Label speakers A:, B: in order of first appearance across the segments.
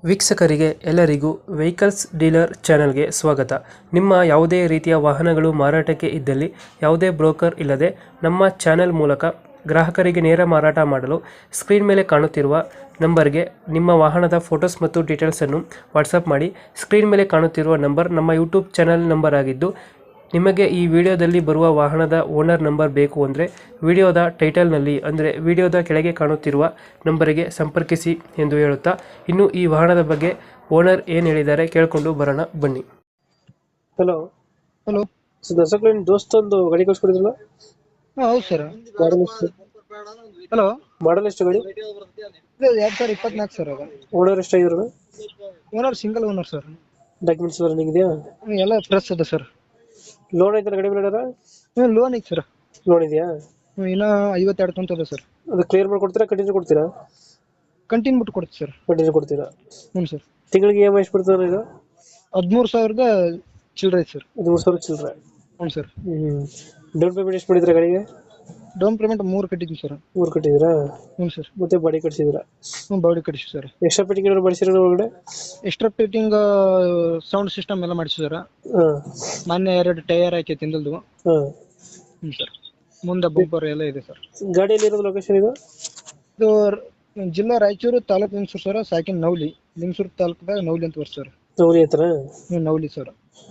A: ವೀಕ್ಷಕರಿಗೆ ಎಲ್ಲರಿಗೂ vehicles dealer ಚಾನೆಲ್ಗೆ ಸ್ವಾಗತ. ನಿಮ್ಮ ಯಾವುದೇ ರೀತಿಯ ವಾಹನಗಳು ಮಾರಾಟಕ್ಕೆ ಇದ್ದಲ್ಲಿ ಯಾವುದೇ ಬ್ರೋಕರ್ ಇಲ್ಲದೆ ನಮ್ಮ ಚಾನೆಲ್ ಮೂಲಕ ಗ್ರಾಹಕರಿಗೆ ನೇರ ಮಾರಾಟ ಮಾಡಲು ಸ್ಕ್ರೀನ್ ಮೇಲೆ ಕಾಣುತ್ತಿರುವ ನಂಬರ್ಗೆ ನಿಮ್ಮ ವಾಹನದ ಫೋಟೋಸ್ ಮತ್ತು ಡೀಟೇಲ್ಸನ್ನು ವಾಟ್ಸಪ್ ಮಾಡಿ. ಸ್ಕ್ರೀನ್ ಮೇಲೆ ಕಾಣುತ್ತಿರುವ ನಂಬರ್ ನಮ್ಮ ಯೂಟ್ಯೂಬ್ ಚಾನೆಲ್ ನಂಬರ್ ಆಗಿದ್ದು, ನಿಮಗೆ ಈ ವಿಡಿಯೋದಲ್ಲಿ ಬರುವ ವಾಹನದ ಓನರ್ ನಂಬರ್ ಬೇಕು ಅಂದರೆ ವಿಡಿಯೋದ ಟೈಟಲ್ನಲ್ಲಿ ಅಂದರೆ ವಿಡಿಯೋದ ಕೆಳಗೆ ಕಾಣುತ್ತಿರುವ ನಂಬರಿಗೆ ಸಂಪರ್ಕಿಸಿ ಎಂದು ಹೇಳುತ್ತಾ, ಇನ್ನು ಈ ವಾಹನದ ಬಗ್ಗೆ ಓನರ್ ಏನು ಹೇಳಿದ್ದಾರೆ ಕೇಳಿಕೊಂಡು ಬರೋಣ ಬನ್ನಿ. Hello
B: hello.
A: ದಸಕ್ಲಿನ್ ದೋಸ್ತ ಒಂದು ಗಾಡಿ ಕಳ್ಸ್ಕೊಡಿದ್ರಲ್ಲ,
B: ಹೌದು ಸರ್.
A: ಮಾಡಲ್ ಎಷ್ಟು?
B: ಹಲೋ,
A: ಮಾಡಲ್ ಎಷ್ಟು ಗಾಡಿ?
B: ಇದು 2024 ಸರ್. ಅದು
A: ಓನರ್ ಎಷ್ಟಾಗಿದ್ರು?
B: Owner single owner sir.
A: Documents running ಇದೆಯಾ?
B: ಎಲ್ಲ ಫ್ರೆಶ್ ಅದ ಸರ್.
A: ಲೋನ್ ಐತಲ್ಲ ಗಾಡಿ ಮೇಲೆ?
B: ಲೋನ್ ಐತೆ ಸರ್.
A: ಲೋನ್ ಇದೆಯಾ?
B: ಇನ್ನ 52 ಕಂತು ಅದ ಸರ್.
A: ಅದು ಕ್ಲಿಯರ್ ಮಾಡಿ ಕೊಡ್ತೀರಾ, ಕಂಟಿನ್ಯೂ ಕೊಡ್ತೀರಾ?
B: ಕಂಟಿನ್ಯೂ ಬಿಟ್ಟು ಕೊಡ್ತೀವಿ ಸರ್.
A: ಕಂಟಿನ್ಯೂ ಕೊಡ್ತೀರಾ?
B: ಹ್ಞೂ ಸರ್.
A: ತಿಂಗಳಿಗೆ EMI ಎಷ್ಟು ಬರ್ತದೆ ಇದು?
B: 13,000 ಚಿಲ್ಲರೆ ಐತೆ ಸರ್.
A: 13,000 ಚಿಲ್ಲರೆ.
B: ಹ್ಞೂ ಸರ್.
A: ಡೌನ್ ಪೇಮೆಂಟ್ ಎಷ್ಟು ಮಾಡಿದ್ರಾ ಗಾಡಿಗೆ?
B: ಡೌನ್ ಪೇಮೆಂಟ್ 3 ಕಟ್ಟಿದ್ವಿ ಸರ್.
A: 3 ಕಟ್ಟಿದ್ರಾ?
B: ಹ್ಞೂ ಸರ್.
A: ಮತ್ತೆ ಬಾಡಿ ಕಟ್ಸಿದ್ರಾ?
B: ಹ್ಞೂ, ಬಾಡಿ ಕಟ್ಟಿಸಿ ಸರ್.
A: ಎಕ್ಸ್ಟ್ರಾ ಫಿಟ್ಟಿಂಗ್ ಏನಾದ್ರು ಮಾಡಿಸಿರ ಒಳಗಡೆ?
B: ಎಕ್ಸ್ಟ್ರಾ ಫಿಟ್ಟಿಂಗ್ ಸೌಂಡ್ ಸಿಸ್ಟಮ್ ಎಲ್ಲ ಮಾಡಿಸಿ ಸರ್.
A: ಹಾ
B: ಮೊನ್ನೆ 2 ಟೈರ್ ಹಾಕಿ ತಿಂದಲ್ದು.
A: ಹಾ.
B: ಹ್ಞೂ ಸರ್. ಮುಂದೆ ಬಂಪರ್ ಎಲ್ಲ ಇದೆ ಸರ್.
A: ಗಾಡಿಯಲ್ಲಿ ಇರೋದು ಲೊಕೇಶನ್ ಇದು?
B: ಇದು ಜಿಲ್ಲಾ ರಾಯಚೂರು, ತಾಲೂಕು ಲಿಂಗಸೂರು ಸರ್. ಸಾಕಿನ ನವಲಿ, ಲಿಂಗಸೂರು ತಾಲೂಕದಾಗ ನವಲಿ ಅಂತ ಬರ್ತ ಸರ್.
A: ನವಲಿ ಹತ್ರ?
B: ಹ್ಞೂ, ನವಲಿ ಸರ್.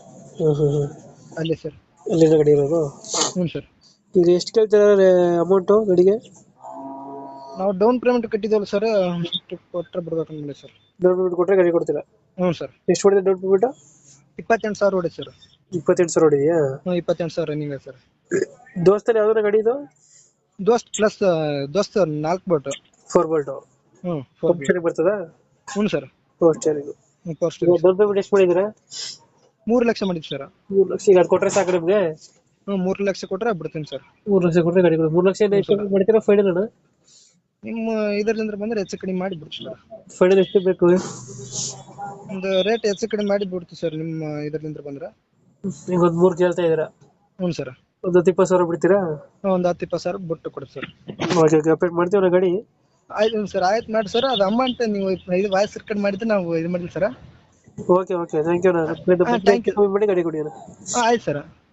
B: ಅಲ್ಲೇ ಸರ್.
A: ಅಲ್ಲಿನ ಗಾಡಿ ಇರೋದು?
B: ಹ್ಞೂ ಸರ್.
A: ಈಗ ಎಷ್ಟು ಕೇಳ್ತೀರಾ ಅಮೌಂಟು ಗಾಡಿಗೆ?
B: ನಾವು ಡೌನ್ ಪೇಮೆಂಟ್ ಕಟ್ಟಿದ್ದೇವಲ್ಲ ಸರ್, ಅಷ್ಟು ಕೊಟ್ಟರೆ ಬಿಡ್ಬೇಕಂದ್ರೆ ಸರ್.
A: ಡೌನ್ ಪೇಮೆಂಟ್ ಕೊಟ್ಟರೆ ಗಾಡಿ ಕೊಡ್ತೀರಾ?
B: ಹ್ಞೂ ಸರ್.
A: ಎಷ್ಟು ಹೊಡಿದೆ ಡೌನ್ ಪೇಮೆಂಟ್?
B: 28,000 ಹೊಡೆ ಸರ್.
A: 28,000 ಹೊಡಿದೆಯಾ?
B: ಹ್ಞೂ, 28,000 ರನ್ನಿಂಗ್ ಸರ್.
A: ದೋಸ್ತಲ್ಲಿ ಯಾವ್ದಾರ ಗಾಡಿ ಇದು?
B: ದೋಸ್ತ್ ಪ್ಲಸ್ ದೋಸ್ತ್ 4 ಬೋಟ್.
A: 4 ಬೋಲ್ಟು?
B: ಹ್ಞೂ, 4 ಬೋಟ್
A: ಬರ್ತದಾ?
B: ಹ್ಞೂ sir.
A: Four steering.
B: First
A: down payment ಎಷ್ಟು ಮಾಡಿದ್ದೀರಾ?
B: 3 ಲಕ್ಷ ಮಾಡಿದ್ವಿ ಸರ್.
A: 3 ಲಕ್ಷ. ಈಗ ಅದು ಕೊಟ್ಟರೆ ಸಾಕು ನಿಮಗೆ?
B: ಹ್ಞೂ, 3 ಲಕ್ಷ ಕೊಟ್ಟರೆ ಬಿಡ್ತೀನಿ ಸರ್.
A: 3 ಲಕ್ಷ ಕೊಟ್ಟರೆ ಗಾಡಿ ಕೊಡಿ. 3 ಲಕ್ಷ ಎಷ್ಟು ಮಾಡ್ತೀರಾ ಫೈನಲ್ ಅಣ್ಣ?
B: ನಿಮ್ಮ ಇದರಿಂದ ಬಂದರೆ ಹೆಚ್ಚು ಕಡಿಮೆ ಮಾಡಿ ಬಿಡ್ತೀವಿ ಸರ್.
A: ಫೈನಲ್ ಎಷ್ಟು ಬೇಕು?
B: ಒಂದು ರೇಟ್ ಹೆಚ್ಚು ಕಡಿಮೆ ಮಾಡಿ ಬಿಡ್ತೀವಿ ಸರ್, ನಿಮ್ಮ ಇದರಿಂದ ಬಂದ್ರೆ.
A: ಈಗ ಒಂದು 3 ಕೇಳ್ತಾ ಇದ್ದೀರಾ?
B: ಹ್ಞೂ ಸರ್.
A: ಒಂದು 20,000 ಬಿಡ್ತೀರಾ?
B: ಒಂದು 10-20,000 ಬಿಟ್ಟು ಕೊಡಿ ಸರ್.
A: ಓಕೆ ಓಕೆ, ಅಪ್ಡೇಟ್ ಮಾಡ್ತೀವಿ ಗಾಡಿ.
B: ಆಯ್ತು ಸರ್, ಆಯ್ತು ಮಾಡಿ ಸರ್. ಅದು ಅಮೌಂಟ್ ನೀವು ಇದು ವಾಯ್ಸ್ ರೆಕಾರ್ಡ್ ಮಾಡಿದ್ರೆ ನಾವು ಇದು ಮಾಡಿದ್ವಿ sir.
A: Okay okay, thank you.
B: Thank you.
A: ಮಾಡಿ ಗಾಡಿ ಕೊಡಿ.
B: ಆಯ್ತು ಸರ್.